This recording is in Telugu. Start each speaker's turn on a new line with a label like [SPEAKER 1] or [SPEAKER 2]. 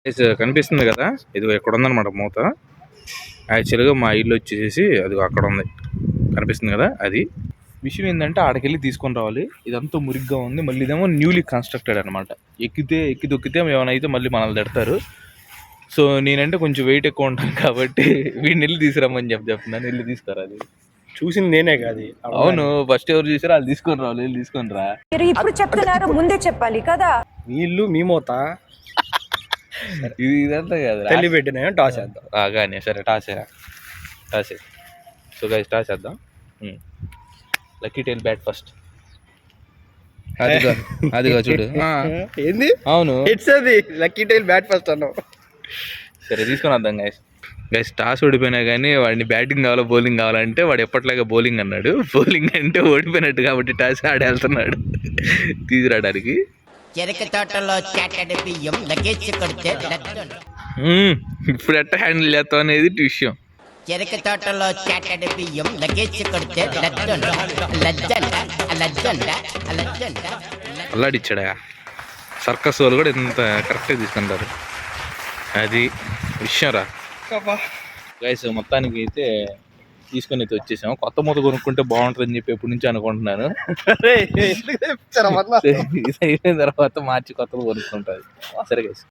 [SPEAKER 1] కనిపిస్తుంది కదా, ఇది ఎక్కడ ఉందన్నమాట మూత. యాక్చువల్గా మా ఇల్లు వచ్చేసి అది అక్కడ ఉంది, కనిపిస్తుంది కదా అది. విషయం ఏంటంటే ఆడకెళ్ళి తీసుకొని రావాలి. ఇదంతా మురిగ్గా ఉంది, మళ్ళీ ఇదేమో న్యూలీ కన్స్ట్రక్టెడ్ అనమాట. ఎక్కి దొక్కితే ఏమైనా అయితే మళ్ళీ మనల్ని తిడతారు. సో నేనంటే కొంచెం వెయిట్ ఎక్కువ ఉంటాను కాబట్టి వీడిని వెళ్ళి తీసుకురమ్మని చెప్తున్నాను. వెళ్ళి తీసుకురా. అది
[SPEAKER 2] చూసింది నేనే కాదు.
[SPEAKER 1] అవును, ఫస్ట్ ఎవరు చూసారో వాళ్ళు తీసుకొని రావాలి, వెళ్ళి తీసుకొని రా.
[SPEAKER 3] ఇప్పుడు చెప్తున్నారు, ముందే చెప్పాలి కదా.
[SPEAKER 2] మీ ఇల్లు మీ మూత.
[SPEAKER 1] ఇదంతా కదా
[SPEAKER 2] తల్లి పెట్టిన టాస్ చేద్దాం
[SPEAKER 1] కానీ. సరే టాస్ సో గైస్ టాస్ చేద్దాం. Lucky tail bat first. అదిగా చూడు.
[SPEAKER 2] ఏంది?
[SPEAKER 1] అవును,
[SPEAKER 2] ఇట్స్ అది లక్కీ టైల్ బ్యాట్ ఫస్ట్ అన్నావు.
[SPEAKER 1] సరే తీసుకొని వద్దాం గైస్. టాస్ ఓడిపోయినా కానీ వాడిని బ్యాటింగ్ కావాలా బౌలింగ్ కావాలంటే వాడు ఎప్పట్లాగా బౌలింగ్ అన్నాడు. బౌలింగ్ అంటే ఓడిపోయినట్టు కాబట్టి టాస్ ఆడి వెళ్తున్నాడు తీసుకురావడానికి.
[SPEAKER 4] చెరక తోటలో చాటడి బియ్యం లగేజ్ కొడితే
[SPEAKER 1] ఇప్పుడు ఎట్లా హ్యాండిల్ చేస్తాం అనేది విషయం.
[SPEAKER 4] చెరక తోటలో చాటడి బియ్యం లగేజ్ కొడితే
[SPEAKER 1] అల్లాడిచ్చాడా. సర్కస్ వాళ్ళు కూడా ఇంత కరెక్ట్గా తీసుకుంటారు, అది విషయం రా గైస్. మొత్తానికి అయితే తీసుకొని అయితే వచ్చేసాము. కొత్త మూత కొనుక్కుంటే బాగుంటుందని చెప్పి ఎప్పటి నుంచి అనుకుంటున్నాను. ఇది అయిపోయిన తర్వాత మార్చి కొత్తది కొనుక్కుంటుంది. సరే గైస్.